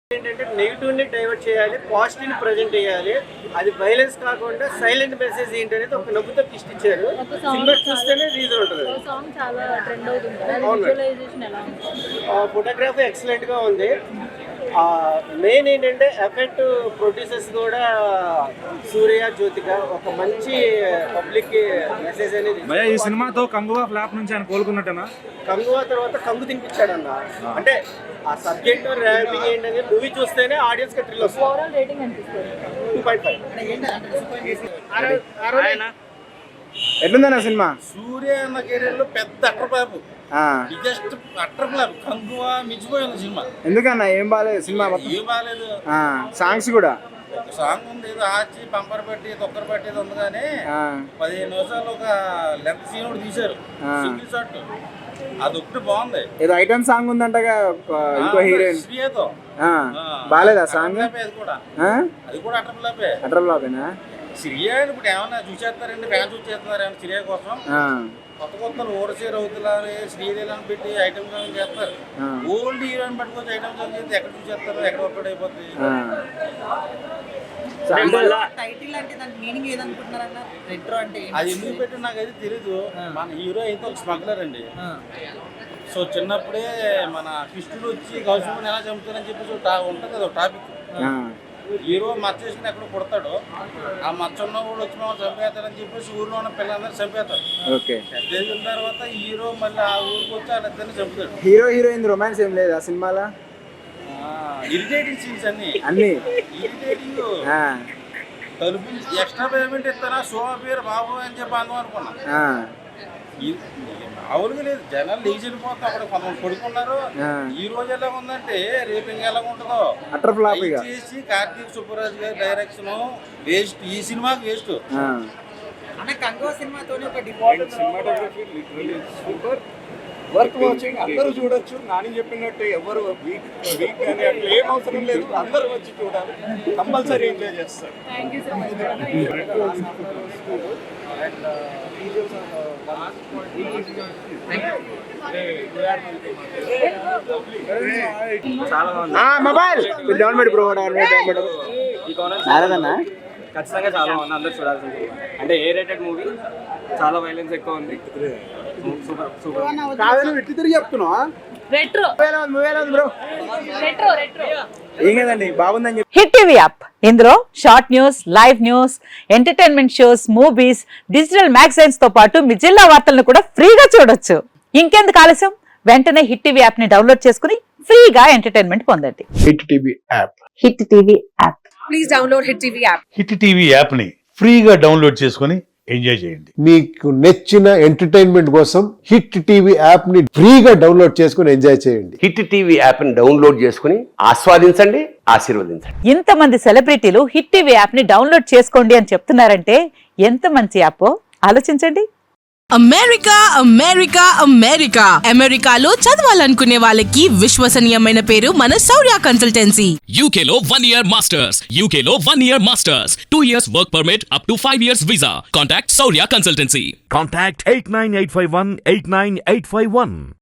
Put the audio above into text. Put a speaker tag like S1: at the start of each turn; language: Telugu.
S1: ఏంటంటే నెగిటివ్ని డైవర్ట్ చేయాలి, పాజిటివ్ని ప్రజెంట్ చేయాలి. అది వైలెన్స్ కాకుండా సైలెంట్ మెసేజ్ ఏంటనేది ఒక నవ్వుతో ట్విస్ట్ ఇచ్చారు. సినిమా చూస్తేనే రీజన్ ఉంటుంది. ఫోటోగ్రఫీ ఎక్సలెంట్ గా ఉంది. మెయిన్ ఏంటంటే ఎఫెక్ట్ ప్రొడ్యూసర్స్ కూడా సూర్య జ్యోతిక ఒక మంచి పబ్లిక్ మెసేజ్ అనేది.
S2: ఈ సినిమాతో కంగువా ఫ్లాప్ నుంచి ఆయన కోలుకున్నట్టేనా?
S1: కంగువా తర్వాత కంగు తినిపించాడు అన్న. అంటే ఆ సబ్జెక్ట్ ర్యాంపింగ్ ఏంటనేది మూవీ చూస్తేనే ఆడియన్స్ కి థ్రిల్ వస్తుంది. 2.5.
S2: ఎట్లుందన్న సినిమా?
S3: సూర్య అన్న కెరీర్ లో పెద్ద అట్రబాబు, బిగ్గెస్ట్ అట్రబాబు. కంగువా మించిపోయింది సినిమా.
S2: ఎందుకన్నా ఏం బాగాలేదు సినిమా?
S3: ఏం బాగాలేదు.
S2: సాంగ్స్ కూడా
S3: ఒక సాంగ్ ఉంది, ఏదో ఆచి పంపర్ పెట్టి తొక్కర పెట్టేది ఉంది, కానీ 15 నిమిషాలు ఒక లెంత్ సీన్ కూడా తీశారు, సింగిల్ షాట్. అది ఒకటి బాగుంది.
S2: ఏదో ఐటమ్ సాంగ్ ఉందంటగా ఇంకో హీరోయిన్
S3: శ్రీయతో
S2: బాగాలేదా సాంగ్?
S3: అది కూడా అట్రబ్లాపే.
S2: అట్రబ్లాపేనా?
S3: శ్రీయ ఇప్పుడు ఏమన్నా చూసేస్తారండి, ఫ్యాన్స్ చూసేస్తున్నారు ఏమన్నా శ్రీయ కోసం. కొత్త కొత్తలు ఓరసే రౌతులని శ్రీదేవిని పెట్టి ఐటమ్ సాంగ్ చేస్తారు. ఓల్డ్ హీరోయిన్ పట్టుకొచ్చి ఐటమ్ సాంగ్ చేస్తే ఎక్కడ చూసేస్తారు, ఎక్కడ వర్కౌట్ అయిపోతుంది. అది ఎందుకు పెట్టి నాకైతే తెలీదు. మన హీరో అయితే ఒక స్మగ్లర్ అండి. సో చిన్నప్పుడే మన కృష్ణుడు వచ్చి గౌతముని ఎలా చంపుతారని చెప్పేసి ఉంటుంది కదా టాపిక్. హీరో మచ్చ వేసుకుని ఎక్కడ పుడతాడు, ఆ మచ్చ ఉన్న కూడా వచ్చి మమ్మల్ని చంపేస్తాడని చెప్పేసి ఊర్లో ఉన్న పిల్లలందరూ చంపేస్తాడు. పెద్ద ఎదిగిన తర్వాత హీరో మళ్ళీ ఆ ఊరికి వచ్చి వాళ్ళిద్దరిని చంపుతాడు.
S2: హీరో హీరోయిన్ రొమాన్స్ ఏం లేదు ఆ సినిమాలో?
S3: ఇరిటేటింగ్ సీన్స్ అన్ని ఇరిటేటింగ్. తలుపు ఎక్స్ట్రా పేమెంట్ ఇస్తానా సో పేరు బాబు అని చెప్పి అందం అనుకున్నా. అవునుగా లేదు, జనాలు లేచి వెళ్ళిపోతాం. అక్కడ కొంతమంది పడుకున్నారు. ఈ రోజు ఎలా ఉందంటే రేపు ఇంకా ఎలా ఉంటుందో చేసి కార్తీక్ సుబ్బరాజు గారి డైరెక్షన్ వేస్ట్. ఈ సినిమాకి వేస్ట్.
S4: వర్క్ వాచింగ్ అందరూ చూడొచ్చు. నాని చెప్పినట్టు ఎవరు వీక్ కానీ అట్లా ఏం అవసరం లేదు, అందరూ వచ్చి చూడాలి, కంపల్సరీ ఎంజాయ్ చేస్తారు.
S2: మొబైల్
S5: ఖచ్చితంగా చాలా బాగుంది, అందరూ చూడాల్సింది. అంటే ఏ రేటెడ్ మూవీ, చాలా వైలెన్స్ ఎక్కువ ఉంది. Super super.
S2: ఏం కదండి బాగుందని చెప్పి.
S6: హిట్ టీవీ యాప్, ఇందులో short news, live news, entertainment shows, movies, digital magazines తో పాటు మీ జిల్లా వార్తలను కూడా ఫ్రీగా చూడొచ్చు. ఇంకెందుకు ఆలస్యం, వెంటనే హిట్ టీవీ యాప్ ని డౌన్లోడ్ చేసుకుని ఫ్రీగా ఎంటర్టైన్మెంట్ పొందండి.
S4: Hit TV app.
S6: Hit TV app.
S7: Please download hit TV app.
S8: Hit TV app ని ఫ్రీగా డౌన్లోడ్ చేసుకుని ఎంజాయ్ చేయండి.
S9: మీకు నచ్చిన ఎంటర్టైన్మెంట్ కోసం హిట్ టీవీ యాప్ ని ఫ్రీగా డౌన్లోడ్ చేసుకుని ఎంజాయ్ చేయండి.
S10: హిట్ టీవీ యాప్ ని డౌన్లోడ్ చేసుకుని ఆస్వాదించండి, ఆశీర్వదించండి.
S6: ఇంతమంది సెలబ్రిటీలు హిట్ టీవీ యాప్ ని డౌన్లోడ్ చేసుకోండి అని చెప్తున్నారంటే ఎంత మంచి యాప్ ఆలోచించండి.
S7: అమెరికా అమెరికా అమెరికా అమెరికాలో చదవాలనుకునే వాళ్ళకి విశ్వసనీయమైన పేరు మన శౌర్య కన్సల్టెన్సీ.
S11: UK లో 1 year masters, UK లో 1 year masters, 2 years work permit up to 5 years visa. Contact Saurya Consultancy.
S8: Contact 89851 89851.